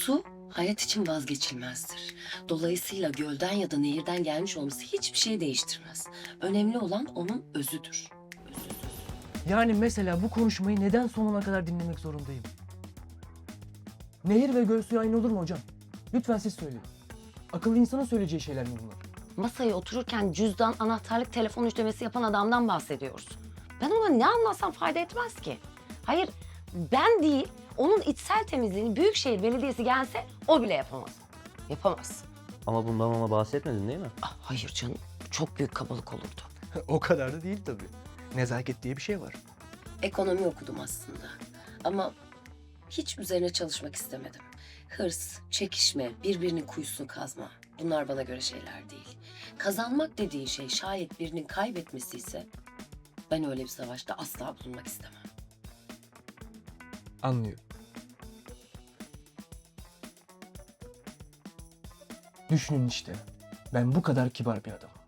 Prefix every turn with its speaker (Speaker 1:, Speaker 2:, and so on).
Speaker 1: Su hayat için vazgeçilmezdir. Dolayısıyla gölden ya da nehirden gelmiş olması hiçbir şey değiştirmez. Önemli olan onun özüdür.
Speaker 2: Yani mesela bu konuşmayı neden sonuna kadar dinlemek zorundayım? Nehir ve göl suyu aynı olur mu hocam? Lütfen siz söyleyin. Akıllı insanın söyleyeceği şeyler mi bunlar?
Speaker 3: Masaya otururken cüzdan, anahtarlık, telefon ödemesi yapan adamdan bahsediyoruz. Ben ona ne anlatsam fayda etmez ki. Hayır, ben değil, onun içsel temizliğini Büyükşehir Belediyesi gelse o bile yapamaz. Yapamaz.
Speaker 4: Ama bundan ona bahsetmedin değil mi?
Speaker 3: Ah, hayır canım, çok büyük kabalık olurdu.
Speaker 2: O kadar da değil tabii. Nezaket diye bir şey var.
Speaker 1: Ekonomi okudum aslında. Ama hiç üzerine çalışmak istemedim. Hırs, çekişme, birbirinin kuyusunu kazma. Bunlar bana göre şeyler değil. Kazanmak dediğin şey şayet birinin kaybetmesi ise ben öyle bir savaşta asla bulunmak istemem.
Speaker 2: Anlıyorum. Düşünün işte. Ben bu kadar kibar bir adamım.